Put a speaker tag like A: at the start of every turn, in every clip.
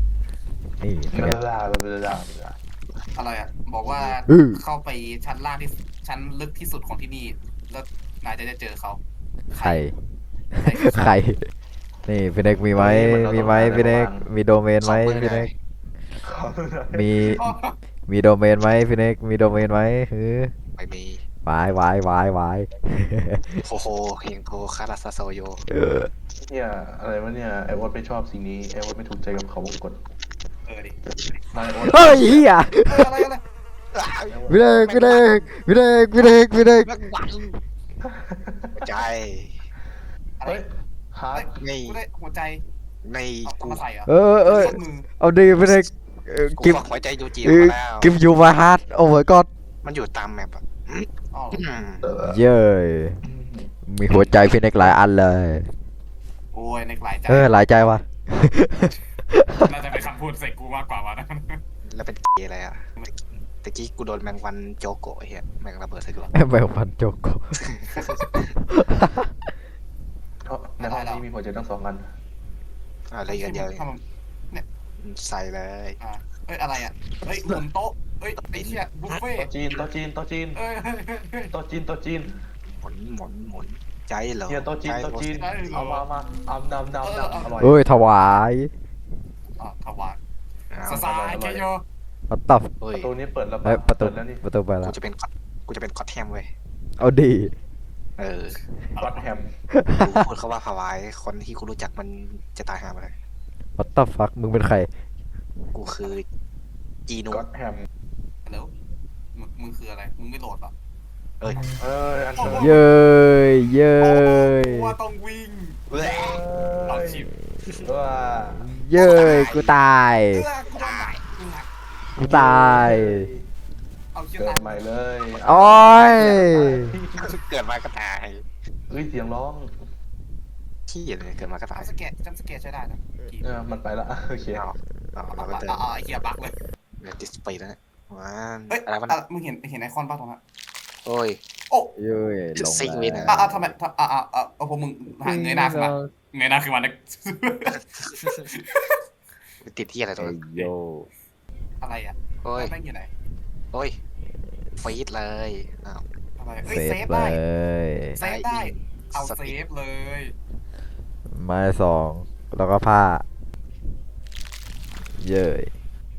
A: นี่เป็น
B: เว
A: ไง
B: ลาเวลา
C: อะไรอ่ะบอกว่า
A: อือ
C: เข้าไปชั้นล่างที่ชั้นลึกที่สุดของที่นี่แล้วนายจะได้เจอเขา
A: ใครใครนี่พี่เน็กมีไหมมีไหมพี่เน็กมีโดเมนไหมพี่เน็กมีมีโดเมนไหมพี่เน็กมีโดเมนไหมฮือ
D: ไม่มี
A: วายวายวายวาย
D: โฮโฮเฮงโทคาราซาโซโย
B: เนี่ยอะไรวะเนี่ยไอโอ๊ตไม่ชอบสิ่งนี้ไอโอ๊ตไม่ถูกใจกับเขาวงกต
C: ดิ
B: นายโอ๊ต
A: เฮ้ยเฮีย
C: อะไรอะไร
A: พี่เน็กพี่เน็กพี่เน็กพี่เน็กพี่เน็ก
D: แม็กวันใจ
C: อะไร
B: เฮ้ยฮาร์ด
D: ใน
C: กูได้หัวใจ
D: ใน
C: เอา
D: กู
C: มาใส่เหรอ
A: เออ
C: มือ
A: เอาดีพี่เน็ก
D: กู
A: กิฟ
D: ขอหัวใจยูจิ
A: เออ
D: มาแล้ว
A: กิฟยูมาฮาร์ดโอ้ my god
D: มันอยู่ตามแมปอ่ะ
C: อ๋อ
A: เย้ยมีหัวใจพี่เน็กหลายอันเลย
C: โอ้ยในหลายใจ
A: หลายใจว่ะ
C: น่าจะเป็นคำพูดใส่กูมากกว่าวะนะ
D: แล้วเป็นเกย์อะไรอ่ะตะกี้กูโดนแมงวันโจโกะไอ้เหี้ยแมงระเบิดใส่กู
A: แมวพันโจโก
B: ในห้องนี้มีหัวใจทั้ง2 อัน
D: อะไรกันเดียว
C: ทำไม
D: ใส่เลย
C: เอ้ยอะไรอ่ะเฮ้ยหมุนโต๊ะเฮ้ยไอ้เชี่ยบุฟเฟ่
B: โต๊ะจีนโต๊ะจีนโต๊ะจีน
C: เอ้ย
B: โต๊ะจีนโต๊ะจีน
D: หมุนใจเหรอ
B: เนี่ยโต๊ะจีนโต๊ะจีนเอามาเอานำอร่อย
A: เอ้ยถวาย
C: อ๋อถวาย
D: อ้าว
C: สสายเกโย
A: ปัตตับ
D: เฮ้
B: ป
D: ย
B: ระตูนี้เปิดแล้ว
A: เอ้ยประตู
B: เปิดแล้วนี่
A: ประตูไปแล้
D: กู
A: ว
D: จะเป็นก็อตแฮมเว้ย
A: เอาดี
D: เออ
B: ก็อตแฮม
D: กูพูดเขาว่าพาวายคนที่กูรู้จักมันจะตายหาไปเลย
A: ปัตตับฟักมึงเป็นใคร
D: กูคือจีนู
B: ก็อตแฮม
C: แล้วมึงคืออะไรมึงไม่โหลดหรอ
B: อันเชิญ
A: เย้ยเย้ย
C: ว่าต้องวิ่ง
D: เว้ย
C: เอาชิบ
B: ว้า
A: เย้ยกูตาย
C: กูตาย
A: กูตาย
C: เอาชิบ
B: เกิ
C: ตา
B: ด
C: ย
B: ใหม่เลย
A: โอ้ย
D: เกิดมาก็ตาย
B: เฮ้ยเสียงร้อง
D: ขี้เลยเกิดมาก็ตาย
C: จำสเก็ตใช้ได้นะ
B: มันไปละโอเค
D: เราก็เดิน
C: ไอ้เหี้ยบักเลย
D: ดิสเพย์แล้วว้า
C: เฮ้ย
D: อะไรวะ
C: มึงเห็นไอคอนป่ะตรงนั้น
D: โอ้ย
C: โอ้
A: เย้ยลง
D: ซิงเว้ยนะ
C: ทำไมพวกมึงเงยหน้าขึ้นมาเงยหน้าขึ้นมาเนี่ย
D: ติดที่อะไรตัว
A: เอ้ยโย
C: อะไรอ่ะ
D: โอ้ย
C: แม่งอยู่ไหน
D: โอ้ยฟีดเลยอ้าว
C: อะไรเฮ้ย
A: เซ
C: เซ
A: ฟ
C: ฟ
A: เล
C: ได้
A: ย
C: เซฟได้เอา
D: ส
C: เซ
D: ติ
C: ฟเลย
A: ไม้2แล้วก็ผ้า เย้ย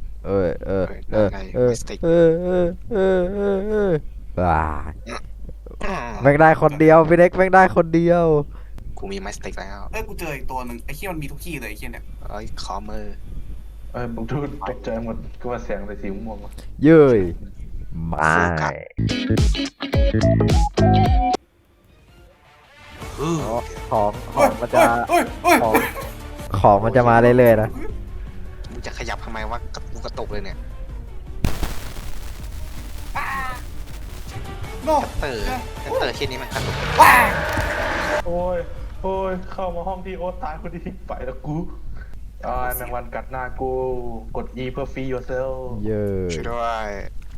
A: ว้าแม่งได้คนเดียวพี่เน็กแม่งได้คนเดียว
D: กูมีไม้สติ๊กแล้ว
C: เอ้ยกูเจออีกตัวหนึ่งไอ้เหี้ยมันมีทุกที่เลยไอ้เหี้ยเนี่ย
D: เอ้ยขอมือ
B: ผมดูตกใจหมดก็ว่าแสงอะไรสีม่วง
A: เย้ยไม่ของมันจะ
C: เฮ้ยเฮ้ย
A: ของของมันจะมาเรื่อยๆนะ
D: มึงจะขยับทำไมวะกูกระตุกเลยเนี่ย
C: โน่
D: เตอร์แค่นี้มันกระตุก
C: ว้า
B: โอ้ยโอ้ยเข้ามาห้องที่โอ๊ตตายคนนี้ไปแล้วกูแมงวันกัดหน้ากูกด E เพื่อ free yourself
A: เย้ย
D: ช่วยด้วย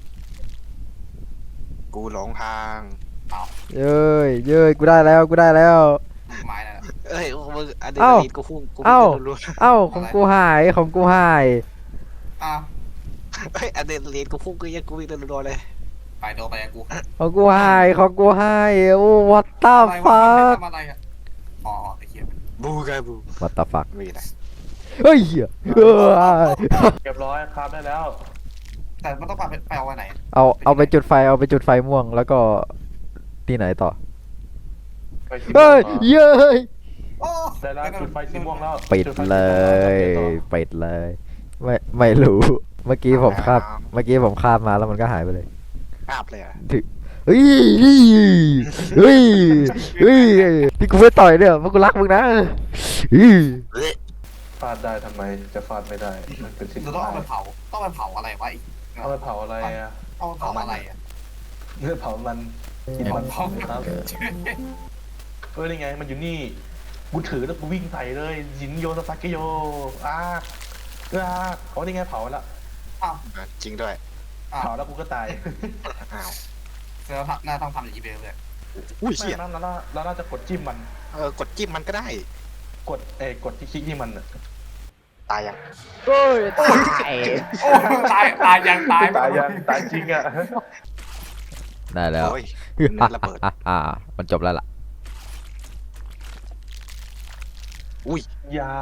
D: กูหลงทาง
A: เย้ยเย้ยกูได้แล้วกูได้แล้ว
C: ไม้นั่นน่ะ
D: เอ้ยมึงอะดรี
A: เอ้า
D: นาลีนกูพุ่งกู
A: เอ้า
D: พุ่งรัว
A: เอ้าของกูหายของกูหาย
C: อ้าว
D: ๆเฮ้ยอะดรีนาลีนกูพุ่งกูยังกูวิ่งรัวๆเลย
C: ไปโดนไปกับกู
A: ของกูหายของกูหายโอ้ what the
C: อะไรวะ
A: fuck
C: ทำอะไรอ่ะอ๋อไอ้เหี้ย
D: บูกาบู
A: what the fuck
D: ไม่มีอะไร
A: เฮ้ยเหี้ยเออ
B: เรียบร้อยครับได้แล้ว
C: แต่มันต้องไปเอาไว้ไหน
A: เอาไปจุดไฟเอาไปจุดไฟม่วงแล้วก็ที่ไหนต่อ
B: ไปสีม่ว
A: เฮ้
B: ง
A: ย
B: ต่อ
A: เย้ย
C: โอ้
B: ได้แล้วจุดไฟสีม่วงแล้ว
A: ปิด
B: จุไฟสี
A: เล
B: ม่วงแวย
A: ปิดเลย ไม่รู้เมื่อกี้ผมข้ามเมื่อกี้ผมข้ามมาแล้วมันก็หายไปเลย
D: ภาพเลยอะ
A: เฮ้ยเฮ้ยเฮ้ยที่กูไม่ต่อยเนี่ยเพราะกูรักมึงนะเฮ้ย
B: ฟาดได้ทำไมจะฟาดไม่ได้มันเป็นสิ่ง
C: เราต้องเอาไปเผาต้องไปเผาอะไรวะอีก
B: เอาไปเผาอะไรอ่ะ
C: เอาไปเผาอะไรอ่ะ
B: เนื้อเผามันกินมัน
C: เผา
B: ครับนี่ไงมันอยู่นี่กูถือแล้วกูวิ่งใส่เลยยินโยสซาเกโยเขานี่ไงเผาแล้ว
C: อ้าว
D: จริงด้วย
B: เผาแล้วกูก็ตาย
D: อ้าว
C: เซอร์หน้าต้องทำอย่างนี้ไปเลย
D: อุ้ย
B: ไม่
D: เชี่ย
B: นั่นเราน่าจะกดจิ้มมัน
D: กดจิ้มมันก็ได้
B: กดที่คลิกที่มัน
D: ตายยัง
A: โอ้ยตาย
C: โอ้ตายยังตาย
B: ตายยังตายจริงอ่ะ
A: ได้แล้ว
D: โอ้ยเนื้อระเบิด
A: มันจบแล้วล่ะ
D: อุ้ย
B: ยา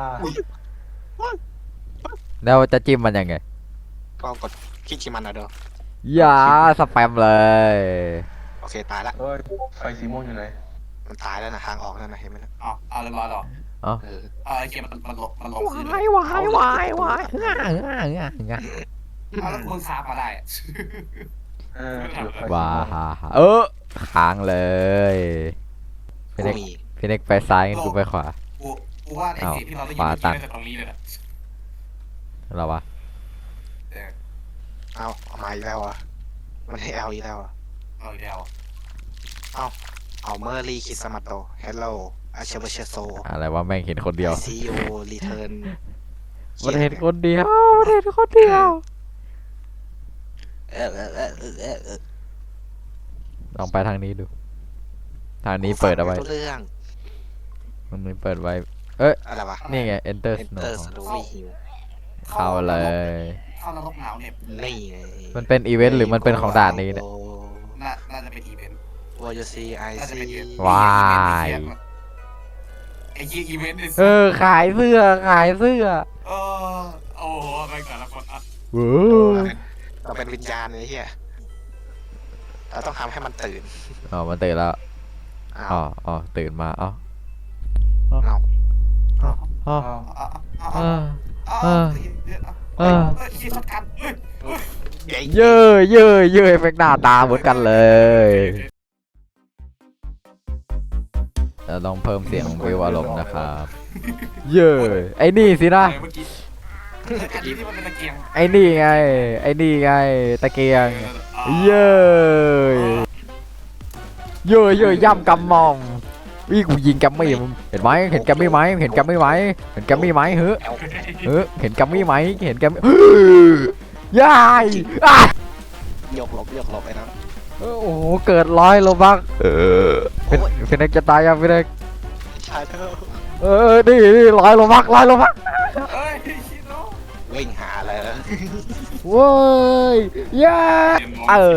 A: แล้วจะจิ้มมันยังไง
D: ก็กดคลิกที่มันนะเด้อ
A: อย่าสแปมเลย
D: โอเคตายละ
B: เอ้ยไฟสีม่วงอยู่ไหน
D: มันตายแล้วนะทางออกแล้วนะเห็นไหมนะ
C: เอาเรียบร้อยหรอ
D: เออ
C: ไอ้เกมมันลงคืน
A: วายวายง่าแล้ว
C: มึงคาบมาได้
A: ว้าค้างเลยพี่
D: กู
A: เน็ก
D: มี
A: พี่เน็กไปซ้ายงั้นกูไปขวา
C: กูว่าไอ้เสียงที่เราได้ยินมันจากตรงนี้เลย
A: เราวะ
D: เอามาอีกแล้วอ่ะมันให้เอาอีกแล้วอ่ะ
C: เอาอีกแล้ว
D: เอาเมอร์รี่คิสมาโตเฮลโลอาเชเบเชโซ
A: อะไรวะแม่งเห็นคนเดียว
D: ซีโอรีเทิร์น
A: มันเห็นคนเดียวมันเห็นคนเดียว ลองไปทางนี้ดู ทางนี้เปิดเอาไว้
D: เรื่อง
A: มันไม่เปิดไว้
D: อะไรวะ
A: นี่ไง enter
D: Enter
A: snow
D: Story Hill
A: เข้าเลย
C: เข้านรกหนาวเนี่ย
D: นี่ไง
A: มันเป็นอีเวนต์หรือมันเป็นของด่านนี้เนี่ย
C: น่าจะเป็นอีเวนต์
D: วอยูซีไอ
C: น่าจะ
D: ซี
C: เป็นอีเวนต์
A: ว้าย
C: ไอ้ยี่อีเวนต์
A: ขายเสื้อขายเสื้อ
C: โอ้โหไปแต่ละคนอ่ะ
A: โว้
D: เราเป็นวิญญาณเลยเฮียเราต้องทำให้มันตื่น
A: อ๋อมันตื่นแล้ว
D: เอา
A: อ๋อตื่นมาอ๋อ
D: เอา
A: อ๋อ
C: คิดทัดกัน
A: เย่เอฟเฟกต์หน้าตาเหมือนกันเลย เราต้องเพิ่มเสียงวิวอารมณ์นะครับ ไอ้นี่สินะ
C: เมื่อกี้อันนี้ที่มันเป็นตะเกียง
A: ไอ้นี่ไง ตะเกียง ย่ำกำมอมวิ่งกูยิงแกมมี่มึงเห็นไหมเห็นแกมมี่ไหมเห็นแกมมี่ไหมเห็นแกมมี่ไหมเฮ้เห็นแกมมี่ไหมเห็นแกมมี่ยายอ่ะ
D: ยกหลบไอ้นะ
A: โอ้โหเกิด100 โลบักเป็นเด็กจะตายยังเป็นเด็ก
D: ใช่แล้ว
A: นี่100 โลบัก
C: เฮ้ยคิดเนาะ
D: วิ่งหาเลย
A: เว้ยย่าโอ้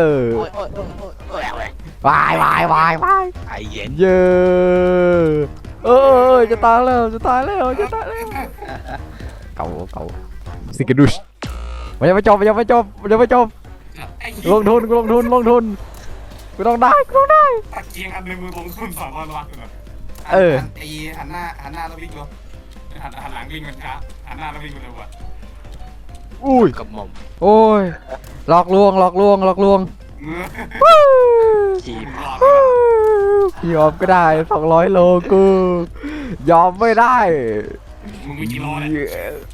A: ยวาย
D: ไอเย็น
A: จะตายแล้วเก่าสิกดุชมันยังไม่จบลงทุนกูต้องได้
C: ตะเกียงอันนึงมือลงทุน200 บาทไอ้หันหน้าแล้ววิ่งเร็วหันหลังวิ่งมันช้าหันหน้าแล้ววิ่งเร็วกว่า
A: อุ้ย
D: กับหม่อม
A: โอ้ยหลอกลวง
D: ทีม
C: รอดไปแล้ว
A: ยอมก็ได้200 โลกู ยอมไม่ได้
C: มึงมีกี่โลเนี่ย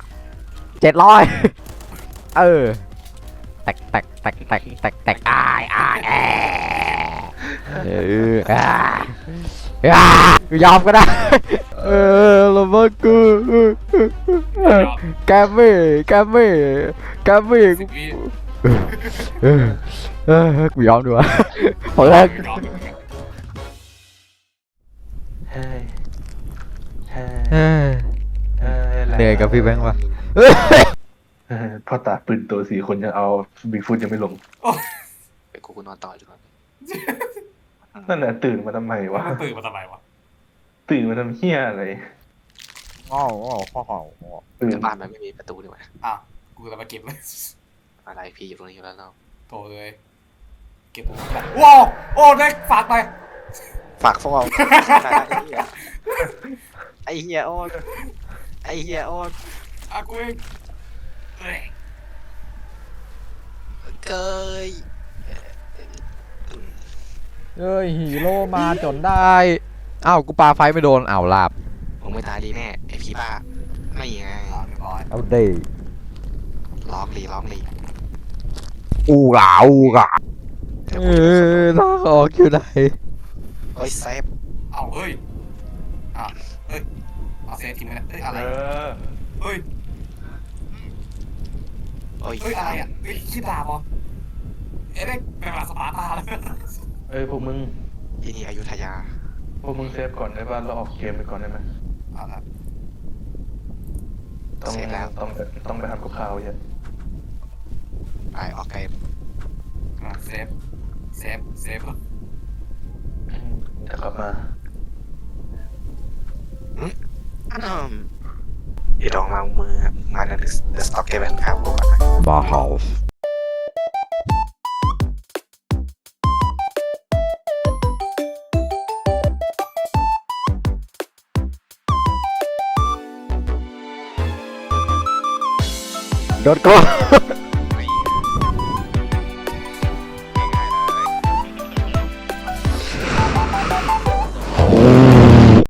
A: 700เออแตกอ้ายเออยอมก็ได้ เออละมึงกูแกมี่กู
C: 10 วิ
A: กูยอมดีกว่าพอแรก
C: ยอม
B: เฮ้ยเฮ้ย
A: เอ้ย
B: เฮ้ย
A: เหนื่อยกับพี่แบงค์วะ
B: พ่อตาปืนตัว4 คนยังเอาบิ๊กฟุตยังไม่ลง
D: ไปกูนอนต่อดีกว่า
B: นั่นแหละตื่นมาทำไมวะ
C: มันตื่นมาทำไมวะ
B: ตื่นมาทำเฮี้ยอะไร
A: ง้อ
B: ตื่น
D: แต่บ้านมันไม่มีประตูดีกว่า
C: อ้าวกูจะมาเก็บเลย
D: อะไรพี่อยู่ตรงนี้อยู่แล้วเนาะ
C: โถเลยเก็บว้าวโอ้ได้ฝากไป
D: ฝากพวกเราไอ้เหี้ยโอ๊ตไอ้เหี้ยโอ๊ต
C: อ่ะกูเองเอ้ย
D: เกย
A: เอ้ยฮีโร่มาจนได้ อ้าวกูปาไฟไม่โดนอ้าวลาบ
D: มึงไม่ตายดีแน่ไอ้พี่บ้าไม่ไง
C: อ่ะเรียบร้อย
A: เอาเด้
D: ร้องลี
A: อูกาเออทางออกอยู่ไหน
D: เฮ้ยเซฟ
C: เอาเฮ้ยอ่ะเฮ้ยเอาเซฟทิ้งไปนะเฮ้ยอะไร เฮ้ย
D: เฮ้ย
C: เฮ้ยอะไรอ่ะเฮ้ยขี้ดาบเหรอเอ๊ะได้เป็นแบบสปาร์ตาเลย
B: พวกมึง
D: ที่นี่อยุธยา
B: เซฟก่อนได้ป่ะเราออกเกมไปก่อนได้ไหม
C: เอาละ
B: ต้องไปทำกับข้าวเยอะ
D: ไปออกเกม
C: อ่ะเซฟเหรอ
B: จะกลับมา
D: เดี๋ยวลองมามือมาเดอะสต็อกเกมแบบข้าวก่อน
A: บาร์เฮาส์โดนกู